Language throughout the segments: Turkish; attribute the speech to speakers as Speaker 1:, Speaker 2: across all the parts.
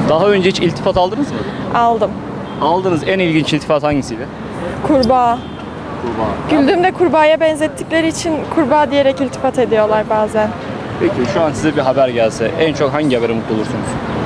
Speaker 1: Daha önce hiç iltifat aldınız mı?
Speaker 2: Aldım.
Speaker 1: Aldığınız en ilginç iltifat hangisiydi?
Speaker 2: Kurbağa.
Speaker 1: Kurbağa.
Speaker 2: Güldüğümde kurbağaya benzettikleri için kurbağa diyerek iltifat ediyorlar bazen.
Speaker 1: Peki şu an size bir haber gelse en çok hangi habere mutlu olursunuz?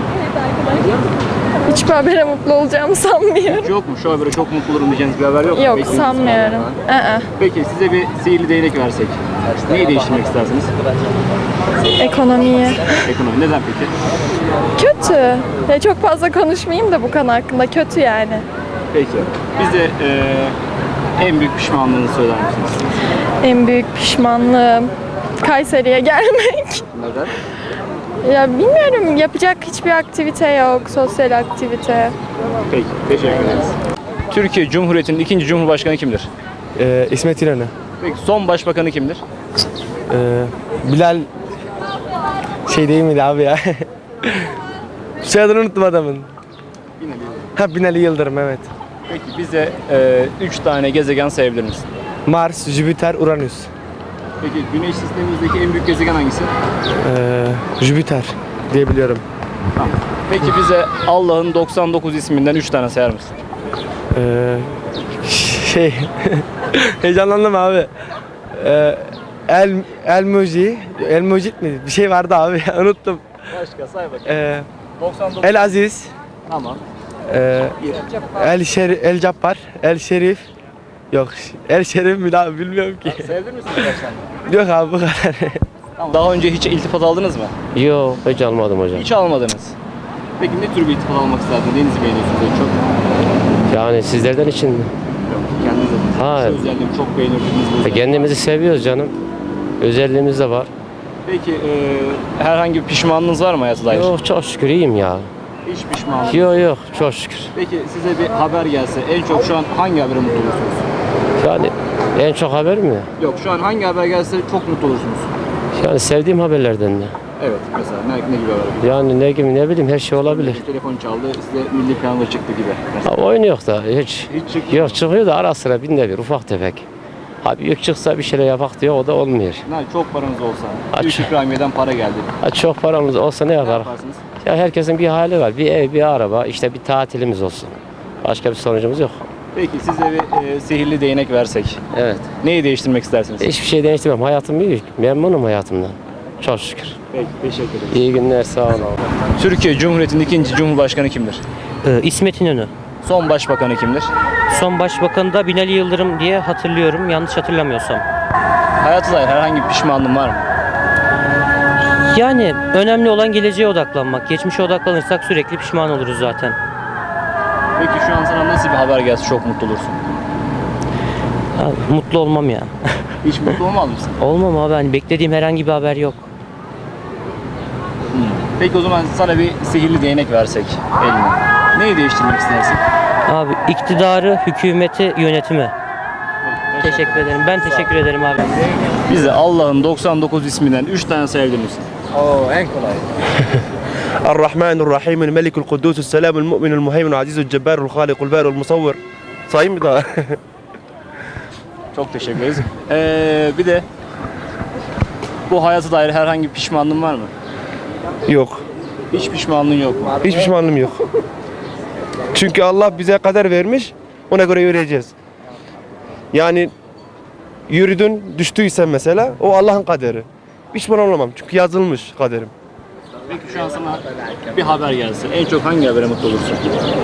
Speaker 2: Hiçbir habere mutlu olacağımı sanmıyorum.
Speaker 1: Yok mu? Şu habere çok mutlu olurum diyeceğiniz bir haber yok mu?
Speaker 2: Yok,
Speaker 1: Beklediğiniz
Speaker 2: sanmıyorum.
Speaker 1: bir haber var. Peki size bir sihirli değnek versek neyi değiştirmek istersiniz?
Speaker 2: Ekonomiyi.
Speaker 1: Ekonomi. Neden peki?
Speaker 2: Kötü. Ya çok fazla konuşmayayım da bu konu hakkında. Kötü yani.
Speaker 1: Peki. Bize en büyük pişmanlığınızı söyler misiniz?
Speaker 2: En büyük pişmanlığım Kayseri'ye gelmek.
Speaker 1: Neden?
Speaker 2: Ya bilmiyorum, yapacak hiçbir aktivite yok, sosyal aktivite.
Speaker 1: Peki. Teşekkür ederiz. Türkiye Cumhuriyeti'nin ikinci Cumhurbaşkanı kimdir?
Speaker 3: İsmet İnönü.
Speaker 1: Peki son başbakanı kimdir?
Speaker 3: Bilal şey değil miydi abi ya? Soyadını unuttum adamın. Binali Yıldırım, evet.
Speaker 1: Peki bize 3 tane gezegen sayabilir misin?
Speaker 3: Mars, Jüpiter, Uranüs.
Speaker 1: Peki Güneş sistemimizdeki en büyük gezegen hangisi?
Speaker 3: Jüpiter diyebiliyorum.
Speaker 1: Tamam. Peki bize Allah'ın 99 isminden 3 tane sayar mısın?
Speaker 3: Şey heyecanlandım abi. El Mucit mi? Bir şey vardı abi ya, unuttum.
Speaker 1: Başka say bakayım. 99.
Speaker 3: El Aziz,
Speaker 1: Tamam.
Speaker 3: El Cabbar, El Şerif. Yok, El Şerif mi abi, bilmiyorum ki.
Speaker 1: Sayabilir misin birkaç tane?
Speaker 3: Yok abi, bu kadar.
Speaker 1: Tamam. Daha önce hiç iltifat aldınız mı?
Speaker 4: Yok, hiç almadım hocam.
Speaker 1: Hiç almadınız. Peki ne tür bir iltifat almak isterdiniz? Neyinizi beğeniyorsunuz en çok?
Speaker 4: Yani sizlerden için mi?
Speaker 1: Yok, kendiniz adınız.
Speaker 4: Ha.
Speaker 1: Şu özelliğimi çok beğenirdiniz.
Speaker 4: Kendimizi seviyoruz canım. Özelliğimiz de var.
Speaker 1: Peki herhangi bir pişmanlığınız var mı hayata dair?
Speaker 4: Yok, çok şükür iyiyim ya.
Speaker 1: Hiç pişmanlık.
Speaker 4: Yok, çok şükür.
Speaker 1: Peki size bir haber gelse en çok şu an hangi habere mutlu olursunuz?
Speaker 4: Yani en çok haber mi?
Speaker 1: Yok, şu an hangi haber gelse çok mutlu olursunuz?
Speaker 4: Yani sevdiğim haberlerden de.
Speaker 1: Evet, mesela ne gibi haber?
Speaker 4: Yani ne gibi, ne bileyim, her şey olabilir.
Speaker 1: Telefon çaldı, size milli piyango çıktı gibi. Mesela.
Speaker 4: Ha, oyun yok da hiç.
Speaker 1: Hiç çıkmıyor.
Speaker 4: Yok, çıkıyor da ara sıra binde bir, ufak tefek. Ha, büyük çıksa bir şeyler yapak diyor, o da olmuyor.
Speaker 1: Çok paranız olsa,
Speaker 4: Aç.
Speaker 1: büyük ikramiyeden para geldi.
Speaker 4: Ha, çok paramız olsa ne
Speaker 1: Ne
Speaker 4: yapar?
Speaker 1: yaparsınız?
Speaker 4: Ya herkesin bir hali var. Bir ev, bir araba, işte bir tatilimiz olsun. Başka bir sonucumuz yok.
Speaker 1: Peki size bir sihirli değnek versek,
Speaker 4: Evet.
Speaker 1: neyi değiştirmek istersiniz?
Speaker 4: Hiçbir şey değiştirmem. Hayatım büyük. Memnunum hayatımdan. Çok şükür.
Speaker 1: Peki, teşekkür ederim.
Speaker 4: İyi günler, sağ olun.
Speaker 1: Türkiye Cumhuriyeti'nin ikinci Cumhurbaşkanı kimdir?
Speaker 5: İsmet İnönü.
Speaker 1: Son başbakanı kimdir?
Speaker 5: Son başbakanı da Binali Yıldırım diye hatırlıyorum, yanlış hatırlamıyorsam.
Speaker 1: Hayata dair herhangi bir pişmanlığın var mı?
Speaker 5: Yani önemli olan geleceğe odaklanmak. Geçmişe odaklanırsak sürekli pişman oluruz zaten.
Speaker 1: Peki şu an sana nasıl bir haber gelse çok mutlu olursun?
Speaker 5: Ha, mutlu olmam ya.
Speaker 1: Hiç mutlu olmaz mısın?
Speaker 5: Olmam abi, hani beklediğim herhangi bir haber yok.
Speaker 1: Peki o zaman sana bir sihirli değnek versek eline. Neyi değiştirmek istersin?
Speaker 5: Abi iktidarı, hükümeti, yönetimi. Teşekkür ederim. Ben teşekkür ederim abi.
Speaker 1: Bize Allah'ın 99 isminden 3 tane sayabilir misin?
Speaker 3: الرحمن الرحيم الملك القدوس السلام المؤمن المهيمن العزيز الجبار الخالق البارئ المصور. Sayayım mı daha?
Speaker 1: Çok teşekkür ederiz. Bir de bu hayata dair herhangi bir pişmanlığın var mı?
Speaker 3: Yok.
Speaker 1: Hiç pişmanlığın yok mu?
Speaker 3: Hiç pişmanlığım yok. Çünkü Allah bize kader vermiş, ona göre yürüyeceğiz. Yani yürüdün, düştüysen mesela, o Allah'ın kaderi. Pişman olamam çünkü yazılmış kaderim.
Speaker 1: Peki şu an sana bir haber gelse en çok hangi habere mutlu olursun?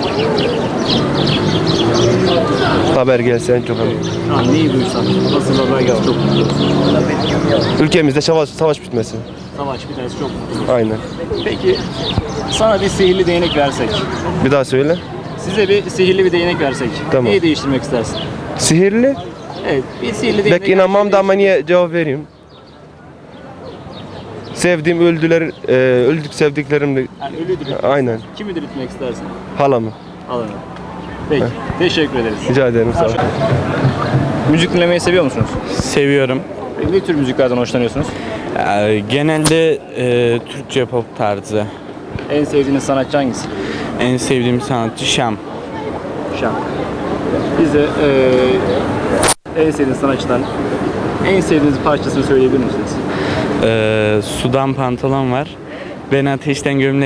Speaker 3: Haber gelse en çok.
Speaker 1: Şu an neyi duysan, nasıl haber gelse çok mutlu olursun?
Speaker 3: Ülkemizde savaş bitmesi.
Speaker 1: Savaş biterse çok mutlu olursun.
Speaker 3: Aynen.
Speaker 1: Peki sana bir sihirli değnek versek,
Speaker 3: Bir daha söyle.
Speaker 1: size bir sihirli bir değnek versek,
Speaker 3: Tamam.
Speaker 1: neyi değiştirmek istersin?
Speaker 3: Sihirli.
Speaker 1: Evet, bir sihirli değnek.
Speaker 3: Belki inanmam da ama niye cevap vereyim? Sevdiğim öldük sevdiklerimle.
Speaker 1: Yani ölüdür.
Speaker 3: Aynen.
Speaker 1: Kimi diriltmek istersin?
Speaker 3: Halamı.
Speaker 1: Alın. Peki, teşekkür ederiz.
Speaker 3: Rica ederim, sağ ol.
Speaker 1: Müzik dinlemeyi seviyor musunuz?
Speaker 6: Seviyorum.
Speaker 1: Ne tür müziklerden hoşlanıyorsunuz?
Speaker 6: Genelde Türkçe pop tarzı.
Speaker 1: En sevdiğiniz sanatçı hangisi?
Speaker 6: En sevdiğim sanatçı Şam.
Speaker 1: Şam. Bize en sevdiğiniz sanatçıdan en sevdiğiniz parçasını söyleyebilir misiniz?
Speaker 6: Sudan pantolon var. Ben ateşten gömlek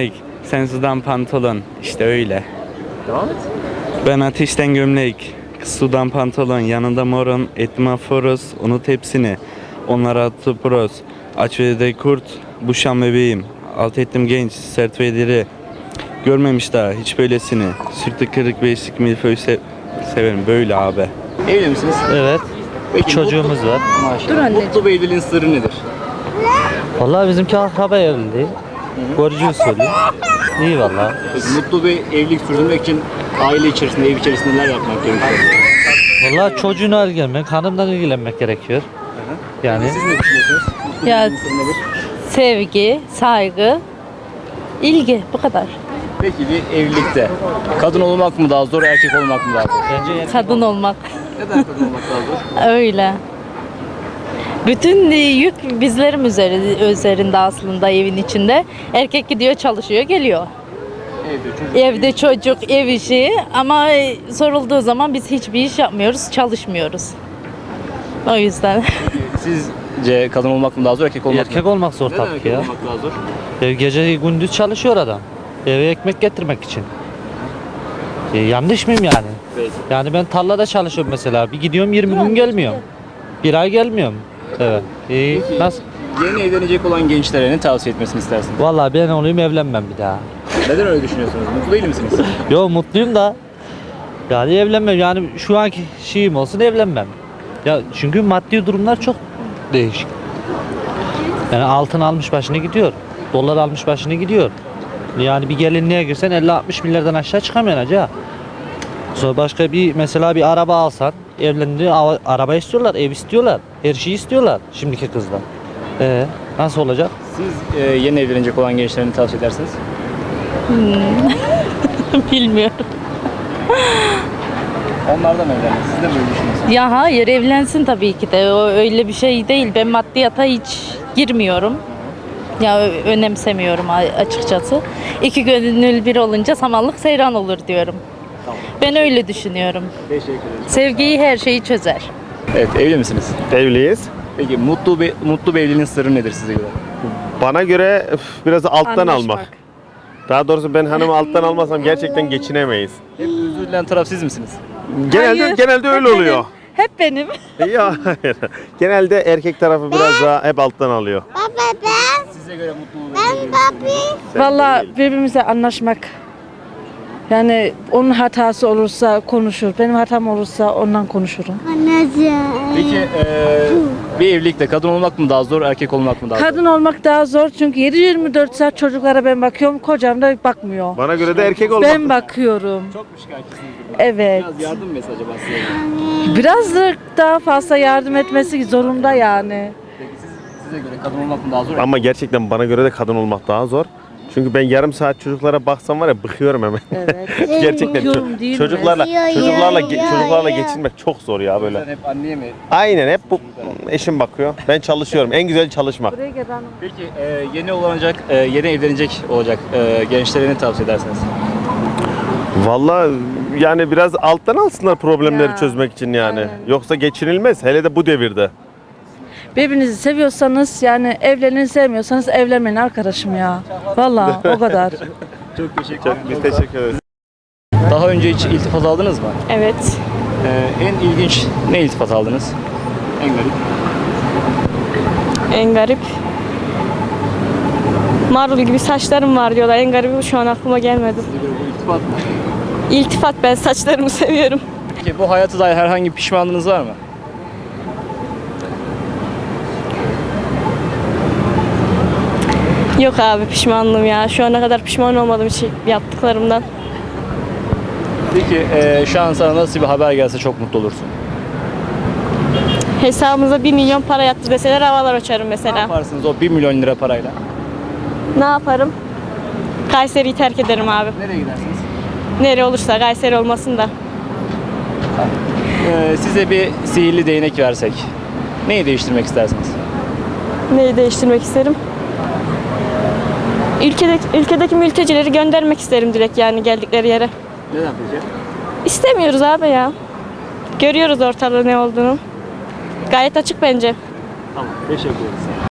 Speaker 6: Sen sudan pantolon. İşte öyle.
Speaker 1: Devam et.
Speaker 6: Ben ateşten gömlek. Kız sudan pantolon. Yanında morun. Etma foros. Unut hepsini. Onlara attı pros. Aç ve de kurt. Bu şam bebeğim. Alt ettim genç. Sert ve diri. Görmemiş daha hiç böylesini. Sürtü kırık beşlik milföy severim. Böyle abi.
Speaker 1: Evli misiniz?
Speaker 5: Evet.
Speaker 1: Peki,
Speaker 5: Çocuğumuz var.
Speaker 1: Maşallah. Mutlu bir evliliğin sırrı nedir?
Speaker 5: Vallahi bizimki akraba evliliği. Görücü usulü. İyi vallahi.
Speaker 1: Peki, mutlu bir evlilik sürdürmek için aile içerisinde, ev içerisinde neler yapmak gerekiyor?
Speaker 5: Vallahi çocuğuna ilgilenmek, hanımdan ilgilenmek gerekiyor. Yani
Speaker 1: Siz ne düşünüyorsunuz? Mutlu bir
Speaker 7: Ya-
Speaker 1: evliliğin sırrı nedir?
Speaker 7: Sevgi, saygı, ilgi bu kadar.
Speaker 1: Peki bir evlilikte kadın olmak mı daha zor, erkek olmak mı daha zor?
Speaker 5: bence
Speaker 7: Kadın olmak
Speaker 1: Neden kadın olmak daha zor?
Speaker 7: öyle. Bütün yük bizlerin üzerinde aslında evin içinde. Erkek gidiyor çalışıyor geliyor. Evde çocuk, ev işi ama sorulduğu zaman biz hiçbir iş yapmıyoruz, çalışmıyoruz. O yüzden.
Speaker 1: Sizce kadın olmak mı daha zor, erkek olmak mı?
Speaker 5: erkek olmak zor
Speaker 1: Neden
Speaker 5: tabii ki
Speaker 1: erkek
Speaker 5: ya.
Speaker 1: olmak daha zor?
Speaker 5: Gece gündüz çalışıyor adam. Eve ekmek getirmek için. Yanlış mıyım yani?
Speaker 1: Peki.
Speaker 5: Yani ben tarlada çalışıyorum mesela. Bir gidiyorum 20 gün gelmiyorum. Bir ay gelmiyorum. Evet. Nasıl?
Speaker 1: Yeni evlenecek olan gençlere ne tavsiye etmesini istersiniz?
Speaker 5: Vallahi ben olayım evlenmem bir daha.
Speaker 1: Neden öyle düşünüyorsunuz? Mutlu değil misiniz?
Speaker 5: Yo mutluyum da. Yani evlenmem. Yani şu anki şeyim olsun evlenmem. Ya çünkü maddi durumlar çok değişik. Yani altın almış başını gidiyor. Dolar almış başını gidiyor. Yani bir gelinliğe girsen 50-60 milyardan aşağı çıkamıyorsun hacı. Sonra başka bir mesela bir araba alsan evlendi araba istiyorlar, ev istiyorlar, her şeyi istiyorlar şimdiki kızlar. Nasıl olacak?
Speaker 1: Siz yeni evlenecek olan gençlere ne tavsiye edersiniz?
Speaker 7: Bilmiyorum.
Speaker 1: Onlardan evlenmek. Siz de mi öyle düşünüyorsunuz?
Speaker 7: Ya hayır evlensin tabii ki de. O öyle bir şey değil. Ben maddiyata hiç girmiyorum. Ya önemsemiyorum açıkçası. İki gönül bir olunca samanlık seyran olur diyorum. Ben öyle düşünüyorum.
Speaker 1: Teşekkür ederim.
Speaker 7: Sevgiyi her şeyi çözer.
Speaker 1: Evet, evli misiniz?
Speaker 3: Evliyiz.
Speaker 1: Peki mutlu bir evliliğin sırrı nedir size göre?
Speaker 3: Bana göre biraz da alttan almak. Daha doğrusu ben hanımı alttan almasam gerçekten geçinemeyiz.
Speaker 1: Hep özür dileyen taraf siz misiniz?
Speaker 3: Genelde öyle oluyor.
Speaker 7: Hep benim.
Speaker 3: Ya hayır. Genelde erkek tarafı biraz daha hep alttan alıyor.
Speaker 1: Size göre mutlu bir evliliğin sırrı nedir?
Speaker 8: Vallahi birbirimize anlaşmak. Yani onun hatası olursa konuşur. Benim hatam olursa ondan konuşurum.
Speaker 1: Peki bir evlilikte kadın olmak mı daha zor, erkek olmak mı daha zor?
Speaker 8: Kadın olmak daha zor çünkü 7-24 saat çocuklara ben bakıyorum. Kocam da bakmıyor.
Speaker 3: Bana göre de erkek olmak.
Speaker 8: Ben bakıyorum.
Speaker 1: Çok mu şikayetçisiniz?
Speaker 8: Evet.
Speaker 1: Biraz yardım mesajı acaba size?
Speaker 8: Biraz da daha fazla yardım etmesi zorunda yani.
Speaker 1: Peki size göre kadın olmak mı daha zor?
Speaker 3: Ama gerçekten bana göre de kadın olmak daha zor. Çünkü ben yarım saat çocuklara baksam var ya bıkıyorum hemen.
Speaker 8: Evet.
Speaker 3: Gerçekten
Speaker 8: Bıkıyorum değil mi?
Speaker 3: çocuklarla geçinmek çok zor ya böyle.
Speaker 1: Sen hep anneye mi?
Speaker 3: Aynen hep bu eşim bakıyor. Ben çalışıyorum. En güzel çalışmak.
Speaker 8: Buraya gel hanım.
Speaker 1: Peki yeni evlenecek olacak gençlere ne tavsiye edersiniz?
Speaker 3: Vallahi yani biraz alttan alsınlar problemleri
Speaker 8: Ya,
Speaker 3: çözmek için yani.
Speaker 8: aynen.
Speaker 3: Yoksa geçinilmez hele de bu devirde.
Speaker 8: Birbirinizi seviyorsanız yani evlenin, sevmiyorsanız evlenmeyin arkadaşım ya. Vallahi o kadar.
Speaker 1: Çok teşekkür ederim.
Speaker 3: Biz teşekkür ederiz.
Speaker 1: Daha önce hiç iltifat aldınız mı?
Speaker 2: Evet.
Speaker 1: En ilginç ne iltifat aldınız? En garip.
Speaker 2: En garip. Marul gibi saçlarım var diyorlar. En garibi şu an aklıma gelmedi.
Speaker 1: Size göre bu iltifat mı?
Speaker 2: İltifat, ben saçlarımı seviyorum.
Speaker 1: Peki bu hayata dair herhangi bir pişmanlığınız var mı?
Speaker 2: Yok abi, pişmanlığım ya. Şu ana kadar pişman olmadım hiç yaptıklarımdan.
Speaker 1: Peki şu an sana nasıl bir haber gelse çok mutlu olursun?
Speaker 2: Hesabımıza 1 milyon para yattı deseler havalar uçarım
Speaker 1: Ne
Speaker 2: mesela.
Speaker 1: yaparsınız o 1 milyon lira parayla?
Speaker 2: Ne yaparım? Kayseri'yi terk ederim abi.
Speaker 1: Nereye gidersiniz?
Speaker 2: Nereye olursa, Kayseri olmasın da.
Speaker 1: Size bir sihirli değnek versek neyi değiştirmek istersiniz?
Speaker 2: Neyi değiştirmek isterim? Ülkedeki mültecileri göndermek isterim direkt, yani geldikleri yere.
Speaker 1: Neden peki?
Speaker 2: İstemiyoruz abi ya. Görüyoruz ortada ne olduğunu. Gayet açık bence.
Speaker 1: Tamam, teşekkür ederiz.